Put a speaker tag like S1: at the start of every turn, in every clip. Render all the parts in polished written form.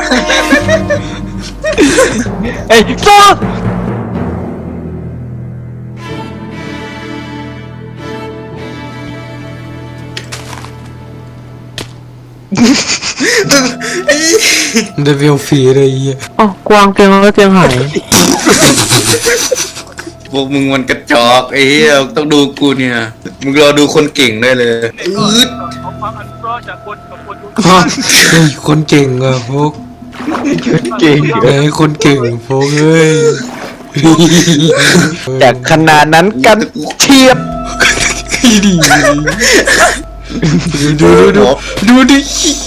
S1: ไอ้โซ่
S2: ได้เวลฟรีเลยเหี้ย
S1: อ๋อกวางเตียงแล้วเตียงหาย
S3: พวกมึงมันกระจอกไอ้เหี้ยต้องดูกูเนี่ยมึงรอดูคนเก่งได้เลยอืด
S2: เฮ้ยคนเก่งอะพวก
S1: เก่ง
S2: ไอ้คนเก่งพวกเฮ้ย
S1: จากขนาดนั้นกันเทียบ
S2: ดีดูดิ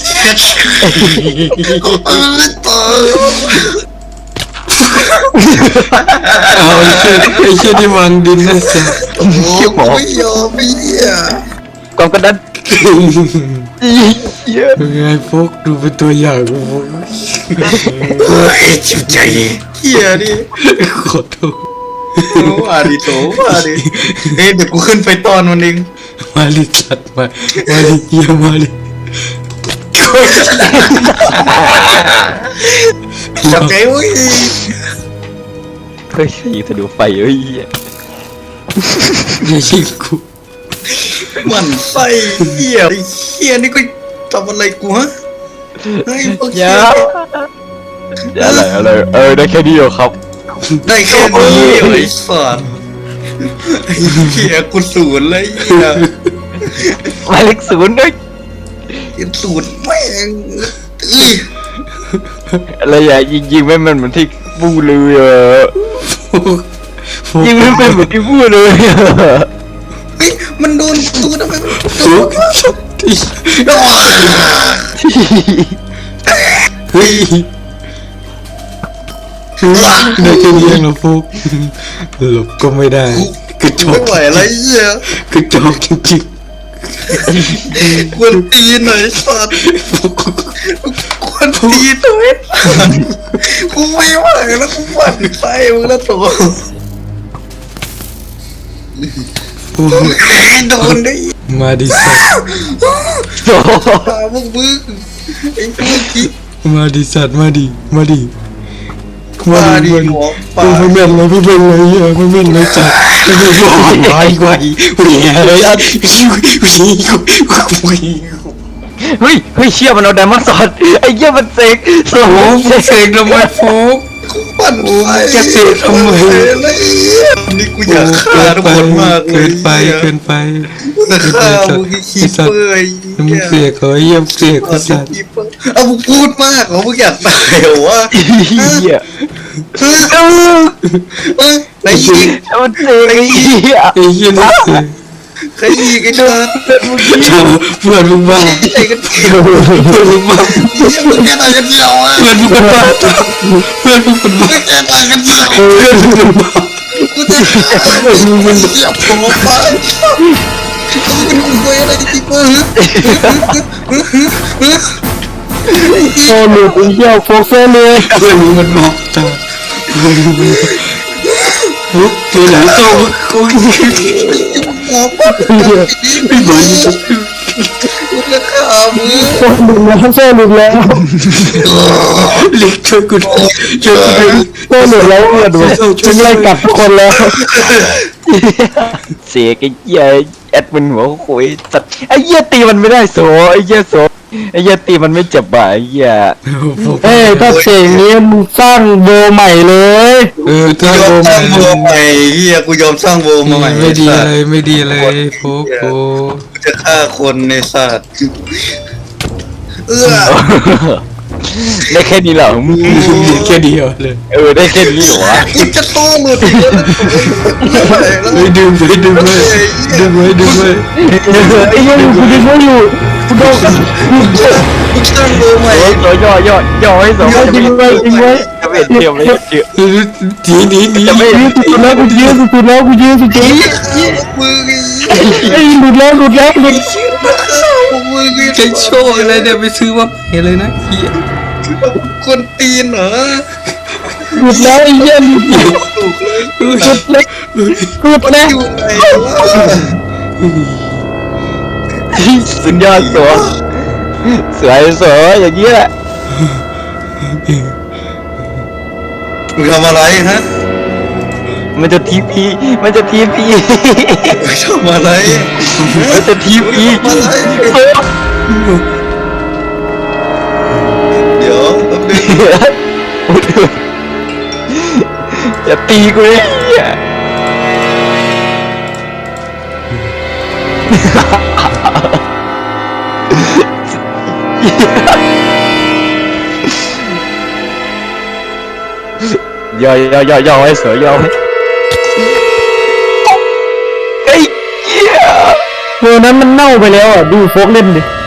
S2: เอาไอ้เชี่ยที่วางดินนะจ๊ะ
S3: เขี้ยวไม่ยอมไม่เหี้ย
S1: กองกระดันเยอะ
S2: ไงพวกดูเป็นตัวอย่างพวก
S3: เฮ้ยจิบใจเหี้ยดิ
S2: ขอโทษ
S3: ว่าดิโถว่าดิเฮ้ยเดี๋ยวกูขึ้นไปตอนมันเอง
S2: มาลิจัดมาลิเยี่ยมาลิ
S3: จับใจเว้ย
S1: เฮ้ยยิงทะลุไฟเฮ้ย
S2: อย่ายิงกู
S3: มันไส้เหี้ยไอ้เหี้ยนี่ก็ทำอะไรกูฮะเฮ้ยพวก
S1: ยา
S3: เหี้ย
S1: อะไรได้แค่นี้เหรอครับ
S3: ได้แค่นี้ไอ้สัสไอ้เหี้ยกูศูนย์เลยเหี้ย
S1: หมายเลขศูนย์ด้วย
S3: ศูนย์แม่งเอ้ย
S1: อะไรอย่ายิงไม่มันเหมือนที่พูดเลยอ่ะ
S2: พวก
S1: ยิงไม่เป็นเหมือนที่พูดเลยอ่ะ
S3: เฮ้ยมันโดนกูทำไมมันโด
S2: พวก
S3: น
S2: เฮ้ยได้แค่นี้นะพวกหลบก็ไม่ได้กระจอ
S3: ไม่
S2: ก
S3: ไหวอะไรเหี้ย
S2: กระจอกจริง
S3: ควรตีหน่อยสัตว์
S2: ๆพวก
S3: ควรตีหน่อยกูไม่ไหวแล้วกูหวั่นไส้มึงแล้วตัวโดนได้
S2: มาดิสัตว์
S3: ตาพวกมึงไอ้พวกคิด
S2: มาดิสัตว์มาดิ
S3: มาดิ
S2: มา
S3: หัวปลา
S2: ไม่เป็นไรไม่เป็นไรไม่เป็นไรจัดไม่เป็นไรไวเลยอ่ะ
S1: เฮ้ยเชี่ยมันเอาไดมอนด์สอดไอ้เหี้ยมันเสกสม
S2: โอ้
S1: อง
S2: โหเสกทำไมฟุก
S3: กูปั่นไฟ
S2: จะเสกทำไม
S3: นี่กูอยากฆ่าทุกคนมากเลย
S2: เกินไปเกินไป
S3: จะฆ่ามึงขี้เปื่อย
S2: มึงเสียเขาเยี่ยมเสียเขาสัตว์
S3: เอามึงพูดมากเหรอมึงอยากตายเหรอวะ
S1: เหี้ย
S3: ไหนยิง
S1: มันเสกไอ้เหี้ย
S2: ไอ้เหี้ยนี่เสีย
S3: ใครยิงไอ้ชา
S2: เพื่อนมึงบ้า
S3: ไอ้กันเดียว
S2: เพื่อนมึงบ้า
S3: มึงแค่ตายกันเดียวอ่ะ
S2: เพื่อนมึงบ้าเพื่อนมึงบ้า
S3: มึงแค่ตายกันเดียว
S2: เพื่อนมึงบ้า
S3: กูจะมึงเสียบหัวไปมึงคุยอะไรที่กู
S1: โซ่หลุดไอ้เหี้ยโฟกโซ่เลย
S2: เพื่อนมึงมันบอกจ้าฟุกตัวไหนโซ่กู
S3: หัวปั๊บ
S2: ไม่ไหว
S3: กูจะฆ่ามึง
S1: โซ่หลุดแล้วโซ่หลุดแล้ว
S2: เล็กช่วยกูช่วยกู
S1: โซ่หลุดแล้วเพื่อนฉันไล่กลับทุกคนแล้วเสียไอ้เหี้ยแอดมินหัวคุยสัตว์ไอ้เหี้ยตีมันไม่ได้โซ่ไอ้เหี้ยโซ่ไอ้เหี้ยตีมันไม่เจ็บอ่ะไอ้เหี้ยเอ้ยถ้าเสียงนี้มึงสร้างโบใหม่เลย
S2: ถ้าย
S3: อมสร้างโบใหม่เฮียกูยอมสร้างโบมาใหม่
S2: ไม่ดีอะไรไม่ดีอะไรฟุกโอ้
S3: กูจะฆ่าคนในสัตว์เอื้อ
S1: ได้แค่นี้เหรอมึง
S2: แค่เดียวเลย
S1: ได้แค่นี้เหรอวะ
S3: กูจะต้องหลุดอีกแล้วไม่ไหวแล้ว
S2: ไม่ดึงไว้ดึงไว้ดึงไว้ดึงไว้
S1: ไอ้เหี้ยกูดึงไม่อยู่กูโดนกัน
S3: กูสร้างโบใหม่
S1: ย่อให้สองจริงไว้จะเป็นเทียมเลยเชื่อ
S2: หนี
S1: จะไม่สุดแล้วกูยืนสุดแล้วกูยืนสุดจริง
S3: มึง
S1: ไอ้หลุดแล้ว
S3: มึง
S2: ใช้โชว์อะไรเนี่ยไปซื้อว่าเห็นเลยนะเฮีย
S3: คนตีนเหรอ
S1: หลุดแล้วไอ้เหี้ยหลุดแล้วหลุดแล้วหลุดแล้ว
S3: อยู่ไหนวะ
S1: สุดยอดสวยสวยอย่างนี้แหละ
S3: มึงทำอะไรฮะ
S1: มันจะทีพีมันจะทีพี
S3: มึงทำอะไร
S1: มันจะทีพี
S3: มึงทำอะไรเดี๋ยวแป๊บนึง
S1: อย่าตีกูเลยเหี้ยย่อไว้เสือย่อไว้ไอ้เหี้ย
S2: ตัวนั้นมันเน่าไปแล้วอ่ะดูโฟกเล่นดิ